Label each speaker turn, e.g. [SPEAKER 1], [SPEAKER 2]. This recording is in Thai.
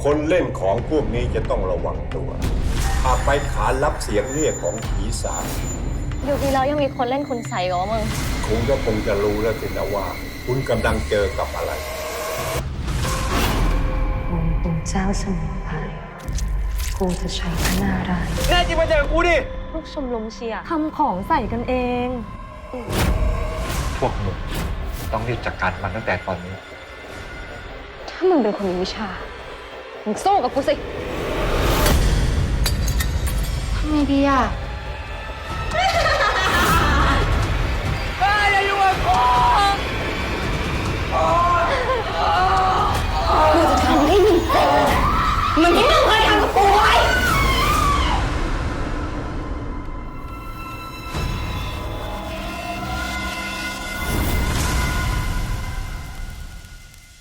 [SPEAKER 1] คนเล่นของพวกนี้จะต้องระวังตัวอาจไปขานรับเสียงเรียกของผีสาง
[SPEAKER 2] ยุคนี้แล้วยังมีคนเล่นคุณใส่กว่ามึง
[SPEAKER 1] คุณก็คงจะรู้แล้วสินะว่า คุณกำลังเจอกับอะไร
[SPEAKER 3] องค์ปู่เจ้าสมุนไพรกูจะใช้พระนารายณ์
[SPEAKER 4] แน่จริงมาเจอกูดิ
[SPEAKER 2] ลูกชมรมเชียร์
[SPEAKER 3] ทำของใส่กันเอง
[SPEAKER 4] พวกมึงต้องรีบจัดการมันตั้งแต่ตอนนี้
[SPEAKER 2] ถ้ามึงเป็นคนมีวิชา มึงสู้กับกูสิทำไงดีอ่ะกูจะทำให้มึงเจ็บมึงไม่ได้